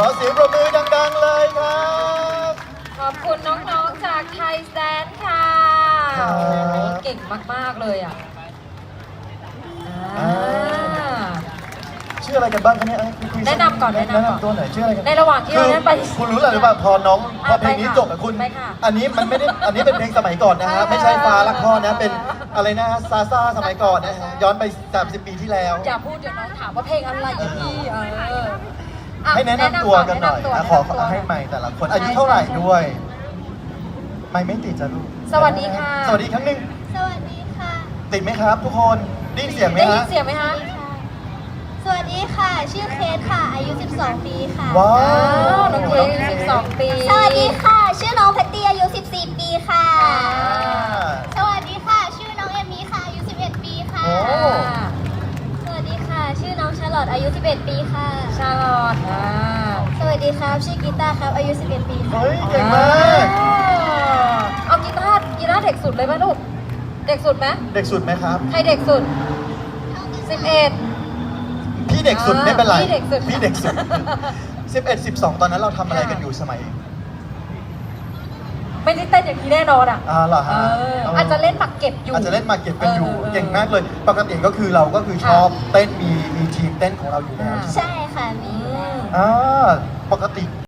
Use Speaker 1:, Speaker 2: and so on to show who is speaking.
Speaker 1: เสียงปรบมือดังๆเลยครับ
Speaker 2: ขอบคุณน้องๆจากไทยแซนค่ะ
Speaker 1: ครับ
Speaker 2: โอ้โหเก่งมากๆเลยอ่ะอ่า
Speaker 1: ชื่ออะไรกันบ้างคะเนี่ยคุย
Speaker 2: แนะนำก่อนแนะนำก่อน
Speaker 1: ตัวหน่อยชื่ออะไรกัน
Speaker 2: ในระหว่างที่เราเล่นไป
Speaker 1: คุณรู้อะไรหรือเปล่าพอน้องพอเพลงนี้
Speaker 2: ไปค่ะ
Speaker 1: จบอะคุณ
Speaker 2: ไปค่ะ
Speaker 1: อันนี้มันไม่ได้อันนี้เป็นเพลงสมัยก่อนนะฮะไม่ใช่ฟ้ารักพ่อนะเป็นอะไรนะซาซาสมัยก่อนนะฮะย้อนไป30 ปีที่แล้ว
Speaker 2: อย่าพูดเดี๋ยวน้องถามว่าเพลงอะไรอีกพี่อ่ะ
Speaker 1: ให้แนะนำตัวกันหน่อย
Speaker 2: แะำตัว
Speaker 1: ขอให้ใหม่แต่ละคนอายุเท่าไหร่ด้วยไม่ติดจ้ะลูก
Speaker 2: สวัสดีค่ะ
Speaker 1: สวัสดีครั้งหนึ่ง
Speaker 3: สวัสดีค่ะ
Speaker 1: ติดไหมครับ ทุกคนได้ยินเสียงไหม
Speaker 2: ได้ยิ
Speaker 1: ฮะ
Speaker 2: นเสียงไหมคะ
Speaker 3: สวัสดีค่ะ ชื่อเคสค่ะ อายุ 12 ปีค่ะ
Speaker 1: ว้า
Speaker 2: อ้าว
Speaker 1: ว
Speaker 2: น้องเค้ก12 ปี
Speaker 3: สวัสดีค่ะ ชื่อน้องแพตตี้อายุ 14 ปีค่ะ
Speaker 2: อ่า
Speaker 3: สวัสดีค่ะ ชื่อน้องเอมมี่ค่ะ อายุ 11 ปีค่ะ
Speaker 1: โอ้
Speaker 3: สวัสดีค่ะ ชื่อน้องชาร์ลอตอายุ 11 ปีค่ะ
Speaker 2: ชาลอต
Speaker 3: สวัสดีครับ ชื่อกีตาร์ครับ อายุ 11 ปีค่ะ
Speaker 1: เฮ้ยเก่งมาก
Speaker 2: เอากีตาร์เด็กสุดเลยไหมลูก เด็กสุดไหม
Speaker 1: เด็กสุดไหมครับ
Speaker 2: ใครเด็กสุด 11
Speaker 1: พี่เด็กสุดไม่เป็นไร
Speaker 2: พี่เด็กสุด
Speaker 1: พี่เด็กสุด 11 12 ตอนนั้นเราทำอะไรกันอยู่สมัย
Speaker 2: ไม่ได้เต้นอย่างนี้แน่นอนอ่ะ
Speaker 1: เหรอฮะ
Speaker 2: อาจจะเล่นหมากเก็บอยู่
Speaker 1: อาจจะเล่นมาเก็บกันอยู่
Speaker 2: เออ
Speaker 1: เก่งมากเลย ปกติก็คือเราก็คือชอบเต้นมีทีมเต้นของเราอยู่แล้ว
Speaker 2: อ่า
Speaker 3: ใช่ค่ะ มีอยู่แล้ว
Speaker 1: อ่าปกติ